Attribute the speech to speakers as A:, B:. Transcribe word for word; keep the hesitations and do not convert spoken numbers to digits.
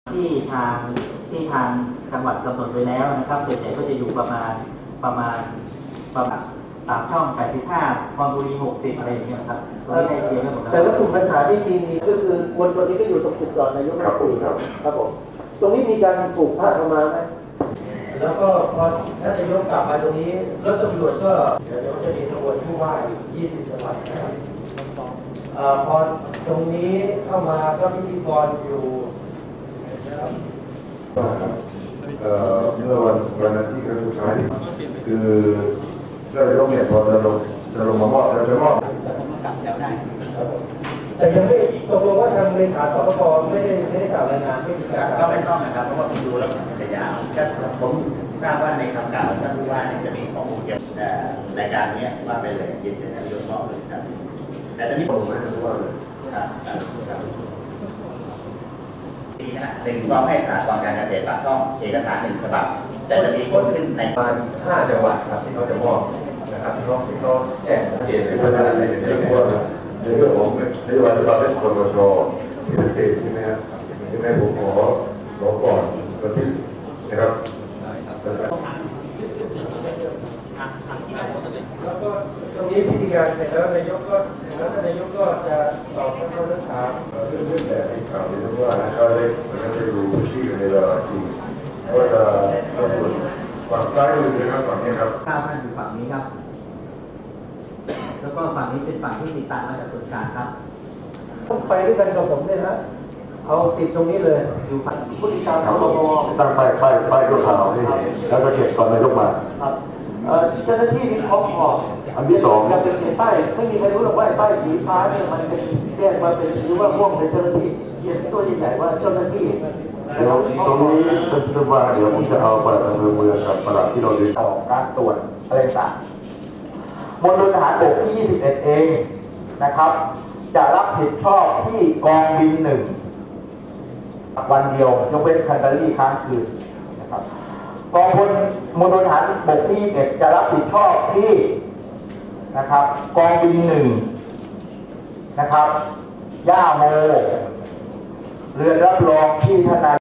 A: ที่ทางที่ทางจังหวัดกำหนดไว้แล้วนะครับส่วนใหญ่ก็จะอยู่ประมาณประมาณประมาณตามช่องแปดสิบห้าคอนบุรีหกสิบอะไรอย่างเงี้ยครับตรงนี้ได้เตรียมไว้หมดแล้ว
B: แต่ว่ากลุ่มปัญหาที่มีก็คือคนตัวนี้ก็อยู่ตรงจุดจอดนายกรัฐมนตรีครับครับผมตรงนี้มีการปลูกผ้าเข้ามาไหมแล้วก็พอท่านนายกกลับมาตรงนี้รถตำรวจก็เดี๋ยวจะมีขบวนผู้ว่ายี่สิบจังหวัดนะครับพอตรงนี้เข้ามาก็พิธีกรอยู่
C: เมื่อวันวันอาทิตย์ครั้งสุดท้ายคือเรื่องลงเนี่ยพอจะลงจะลงมามอบจะจะมอบ
B: แต่ยังไม่ตกลงว่าทางเลขาสปปไม่ได้ไม่ได้กล่าวรายงานไม่มีการ
A: ก็ไม่ต้องนะครับเพราะว่าผมดูแล้วมันจะยาวก็ผมทราบว่าในคำกล่าวท่านผู้ว่าเนี่ยจะมีข้อมูลเกี่ยวกับรายการนี้ว่าเป็นเลยยืนยันนายกบอกเลยครับแต่ตอนนี้ผมไม่รู้ว่าครับดีนะหนึ่งก็ให้สากรการเกษตรปากช่องเอกสารหนึ่งฉบับแต่จะมีคนขึ้นใน
C: ประมาณห้าจังหวัดครับที่เขาจะมอบนะครับที่เขาที่เขาแจ้งชัดเจนเลยว่าในเรื่องว่าในเรื่องของนโยบายที่เราได้ครชที่ชัดเจนใช่ไหมครับที่แม่ผมขอขอก่อนวันที่นะครับ
B: แล้วก็ตรงนี้พิธีการเสร็จแล้วนายกก็แล้วนายกก็จะตอบคำถาม
C: เรื่องเรื่องแบบที่ข่าวที่ว่าเขาได้เขาได้รู้ที่ในเวลาที่ก็จะตำรวจฝั่งซ้ายมือนะครับฝั่งนี้ครับ
A: ข้าวท่านอยู่ฝั่งนี้ครับแล้วก็ฝั่งนี้เป็นฝั่งที่ติดตามมาจากส่วนกลางครับ
B: ต้องไปด้วยกันกับผมเนี่ยนะเอาติดตรงนี้เลยอยู่ฝั่งผู้ติดตามเขา
C: ตั้งป้ายป้ายป้ายตัวข่าวนี่แล้วก็เก็บก่อนนายกมา
B: ครับเจ้าหน้าที่นี่เขาออก
C: อันที่สอง
B: จะเป็นป้ายไม่มีใครรู้หรอกว่าป้ายสีฟ้าเนี่ยมันเป็นแจ้งมาเป็นหรือว่าม่วงเป็นเจ้าหน้าที่เขียนตัวใหญ่ๆว่าเจ้าหน้าที่
C: เดี๋ยวตรงนี้เป็นว่าเดี๋ยวผมจะเอาไปดำเนินเมืองกับประหลัดที่เราดู
A: ออกการตรวจอะไรต่างมณฑลทหารบกที่ยี่สิบเอ็ดเองนะครับจะรับผิดชอบที่กองบินหนึ่งวันเดียวยกเว้นคันดารี่ค้างคืนนะครับกองพลมณฑลทหารบกที่ยี่สิบเอ็ดจะรับผิดชอบที่นะครับกองบินหนึ่งนะครับย่าโมเรือนรับรองที่ทนาย